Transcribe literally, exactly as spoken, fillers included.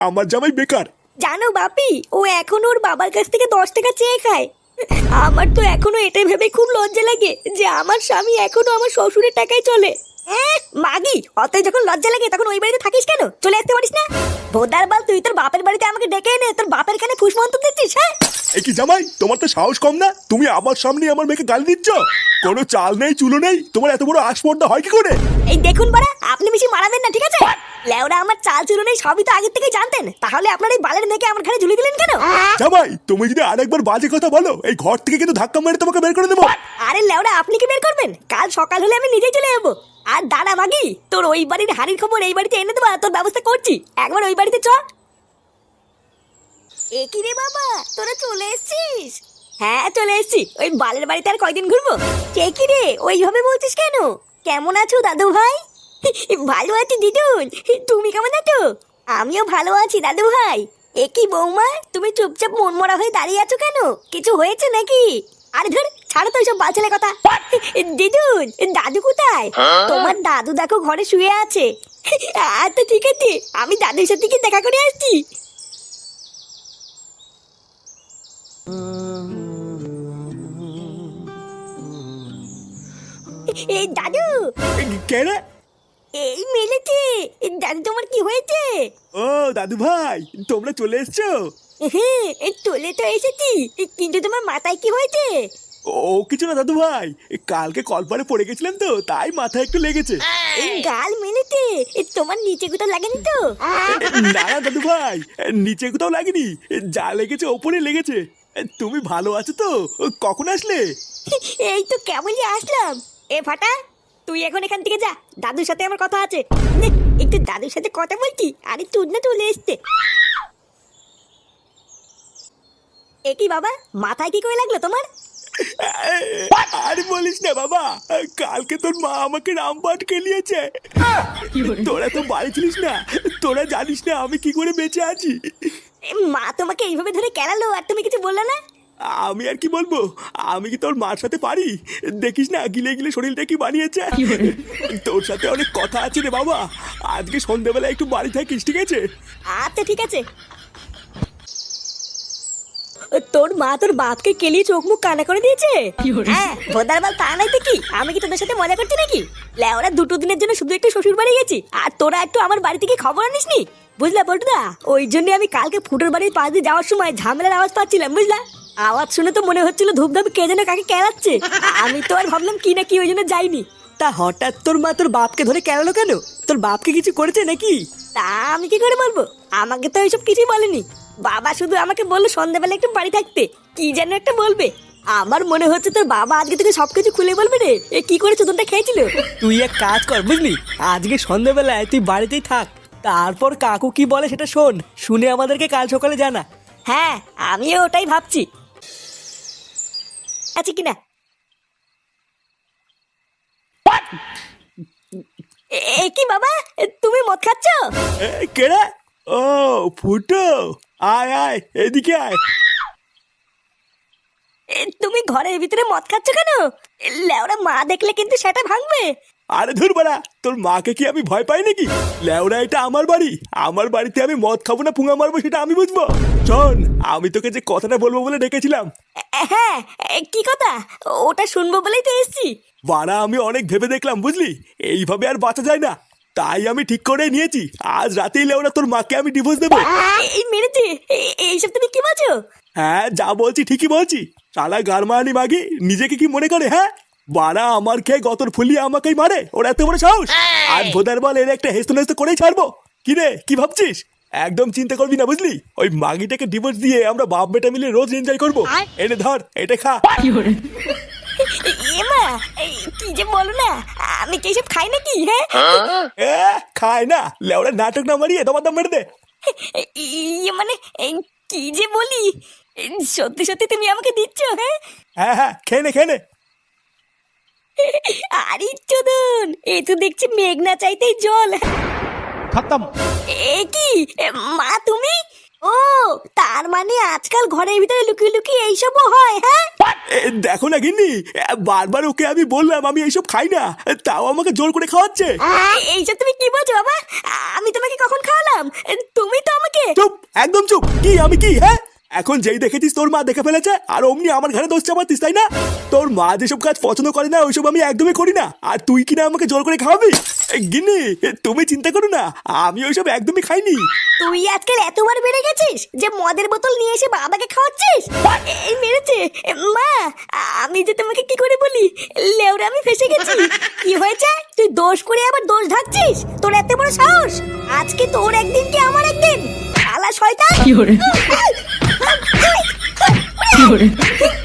আমার জামাই বেকার। জানো বাপি, ও এখন ওর বাবার কাছ থেকে দশ টাকা চেয়ে খায়। আমার তো এখনো এটা ভেবে খুব লজ্জা লাগে যে আমার স্বামী এখনো আমার শ্বশুরের টাকায় চলে। এহ, মাগি, অতই যখন লজ্জা লাগে তখন ওই বাড়িতে থাকিস কেন? চলে আসতে পারিস না? ভোদার বাল, তুই তোর বাপের বাড়িতে আমাকে ডেকে এনে তোর বাপের কানে ফুসমন্ত দিচ্ছিস? হ্যাঁ, এ কি জামাই, তোমার তো সাহস কম না? তুমি আমার সামনে আমার মেয়েকে গালি দিচ্ছ? কোনো চাল নেই চুলো নেই, তোমার এত বড় আসপর্দা হয় কি করে? এই দেখুন বাড়া, আপনি বেশি মারাবেন না, ঠিক আছে? লেওরা আমার চাল চুরো নেই সবই তো আগের থেকে জানতেন, তাহলে আপনার এই বালের মেয়েকে আমার ঘরে ঝুলি দিলেন কেন? জামাই, তুমি যদি আরেকবার বাজে কথা বলো, এই ঘর থেকে কিন্তু ধাক্কা মেরে তোমাকে বের করে দেবো। আরে লেওরা, আপনি কি বের করবেন? কাল সকাল হলে আমি নিজেই চলে যাবো। আর দাঁড়া মাগি, তোর ওই বাড়ির হাড়ির খবর এই বাড়িতে এনে দেবো, তোর ব্যবস্থা করছি। একবার ওই বাড়িতে চ। এ কি রে বাবা, তোরা চলে এসেছিস? হ্যাঁ চলে এসেছি। ওই বালের বাড়িতে আর কয়দিন ঘুরবো? কে কি রে ওইভাবে বলছিস কেন? কেমন আছো দাদু ভাই? ভালো আছি দিদুন, তুমি কেমন আছো? আমিও ভালো আছি দাদু ভাই। এ কি বৌমা, তুমি চুপচাপ মনমরা হয়ে দাঁড়িয়ে আছো কেন? কিছু হয়েছে নাকি? আরে ধর, ছাড়ো তো এইসব বালছেলে কথা। দিদুন, দাদু কোথায়? তোমার দাদু দেখো ঘরে শুয়ে আছে। আচ্ছা ঠিক আছে, আমি দাদুর সাথে কি দেখা করে আসছি। এই দাদু। কে রে? এই মেলেছে। দাদু তোমার কি হয়েছে? ও দাদু ভাই, তোমরা চলে এসছো? হ্যাঁ, এই চলে তো এসেছি, কিন্তু তোমার মাথায় কি হয়েছে? ও কিছু না দাদু ভাই, কালকে কলপারে পড়ে গেছিলাম তো, তাই মাথায় একটু লেগেছে। এই গাল মেলেছে, তোমার নিচে কোথাও লাগেনি তো? না না দাদু ভাই, নিচে কোথাও লাগেনি, যা লেগেছে ওপরে লেগেছে। তুমি ভালো আছো তো? কখন আসলে? এই তো কেমনই আসলাম। এ ফাটা, তুই এখন এখান থেকে যা, দাদুর সাথে আমার কথা আছে। নে, একটু দাদুর সাথে কথা বলছি, আরে তুই না চলে এসছে। এ কি বাবা, মাথায় কি করে লাগলো তোমার? আর বলিস না বাবা, কালকে তোর মা আমাকে রামপাট খেলিয়েছে। তোরা তো বাড়ি ছিলিস না, তোরা জানিস না আমি কি করে বেঁচে আছি। এ, মা তোমাকে এইভাবে ধরে কেলালো আর তুমি কিছু বললে না? আমি আর কি বলবো, আমি কি তোর মার সাথে পারি? দেখিস না গিলে গিলে শরীরটা কি বানিয়েছে। তোর সাথে অনেক কথা আছে রে বাবা, আজকে সন্ধ্যাবেলা একটু বাড়ি থাকিস, ঠিক আছে? আচ্ছা ঠিক আছে। তোর মা তোর বাপকে কেলিয়ে চোখ মুখ কানা করে দিয়েছে? হ্যাঁ ভোদার বাল, তা নাই তো কি, আমি কি তোদের সাথে মজা করছি নাকি? লেওরা দুটো দিনের জন্য শুধু একটু শ্বশুর বাড়ি গেছি, আর তোরা একটু আমার বাড়ি থেকে খবর আনিসনি, বুঝলা বলটুদা? ওই জন্য আমি কালকে ফুটোর বাড়ির পাশ দিয়ে যাওয়ার সময় ঝামেলার আওয়াজ পাচ্ছিলাম, বুঝলা? আওয়াজ শুনে তো মনে হচ্ছিল ধূপধাপ কে যেন কাকে কেলাচ্ছে। আমি তো আর ভাবলাম কি না কি, ওই জন্য যাইনি। তা হঠাৎ তোর মা তোর বাপকে ধরে কেলালো কেন? তোর বাপকে কিছু করেছে নাকি? তা আমি কি করে বলবো, আমাকে তো এইসব কিছুই বলেনি। বাবা শুধু আমাকে বললো সন্ধ্যাবেলা একটু বাড়ি থাকতে, কি যেন একটা বলবে। আমার মনে হচ্ছে তোর বাবা আজকে থেকে সবকিছু খুলে বলবে রে। এ কি করে চোদনটা খেয়েছিল? তুই এক কাজ কর বুঝলি, আজকে সন্ধ্যাবেলায় তুই বাড়িতেই থাক, তারপর কাকু কি বলে সেটা শোন, শুনে আমাদেরকে কাল সকালে জানা। হ্যাঁ, আমিও ওটাই ভাবছি। আচ্ছা কিনা এ- এ কি বাবা, তুমি মদ খাচ্ছ? এ, কে রে? ও ফুটো, আয় আয় এদিকে আয়। এ, তুমি ঘরের ভিতরে মদ খাচ্ছ কেন? এ, লেওরা মা দেখলে কিন্তু সেটা ভাঙবে। আরে ধুর বাড়া, তোর মাকে কি আমি ভয় পাই নাকি? লেওরা, এটা আমার বাড়ি, আমার বাড়িতে আমি মদ খাবো না পুঙা মারবো সেটা আমি বুঝবো। শোন, আমি তোকে যে কথাটা বলবো বলে ডেকেছিলাম। এ, হ্যাঁ, এ, কি কথা? ওটা শুনবো বলেই তো এসছি। বাড়া, আমি অনেক ভেবে দেখলাম বুঝলি, এইভাবে আর বাঁচা যায় না, তাই আমি ঠিক করে নিয়েছি আজ রাতেই লেওরা তোর মাকে আমি ডিভোর্স দেবো। এই মেরেছে, এ- এইসব তুমি কি বলছো? হ্যাঁ, যা বলছি ঠিকই বলছি। শালা গারমানি মাগি নিজেকে কি মনে করে? হ্যাঁ, বাড়া আমার খেয়ে গতর ফুলিয়ে আমাকেই মারে, ওর এত বড় সাহস। আর ভোদার বল এর একটা হেস্ত নেস্ত করেই ছাড়বো। কি রে, কি ভাবছিস? একদম চিন্তা করবি না বুঝলি, ওই মাগিটাকে ডিভোর্স দিয়ে আমরা বাপ বেটা মিলে রোজ এনজয় করবো। এনে ধর, এটা খা। এমা, এই, কি যে বলো না, আমি কি এসব খাই নাকি? হ্যাঁ, এ, খায় না লেওরা, নাটক না মারিয়ে তোমার দাম মেরে দে। ইয়ে মানে এই, কি যে বলি, এই, সত্যি সত্যি তুমি আমাকে দিচ্ছ? হ্যাঁ, হ্যাঁ হ্যাঁ, খেয়ে নে খেয়ে নে। আরে চোদন, এ তো দেখছি মেঘ না চাইতেই জল। खत्म। এ কি, এ, মা তুমি? ও, তার মানে মানে আজকাল ঘরের ভিতরে লুকিয়ে লুকিয়ে এইসবও হয়, হ্যাঁ? এ, দেখো না গিন্নি, এ, বারবার ওকে আমি বললাম আমি এইসব খাই না, তাও আমাকে জোর করে খাওয়াচ্ছে। এ- এইসব তুমি কি বলছো বাবা? আমি তোমাকে কখন খাওয়ালাম? তুমি তো আমাকে চুপ, একদম চুপ। কি আমি কি, হ্যাঁ? এখন যেই দেখেছিস তোর মা দেখে ফেলেছে আর অমনি আমার ঘরে দোষ চাপাতিস, তাই না? তোর মা যেসব কাজ পছন্দ করে না ওইসব আমি একদমই করি না, আর তুই কিনা আমাকে জোর করে খাওয়াবি? এ, গিন্নি, তুমি চিন্তা করো না, আমি ওইসব একদমই খাইনি। তুই আজকাল এতবার বেড়ে গেছিস যে মদের বোতল নিয়ে এসে বাবাকে খাওয়াচ্ছিস। এই মেরেছে মা, আমি যে তোমাকে কি করে বলি, লেওরা আমি ফেসে গেছি। কি হয়েছে? তুই দোষ করে আবার দোষ ঢাকছিস? তোর এত বড় সাহস! আজকে তোর একদিন কি আমার একদিন। আলা শয়তান! কি hore কি hore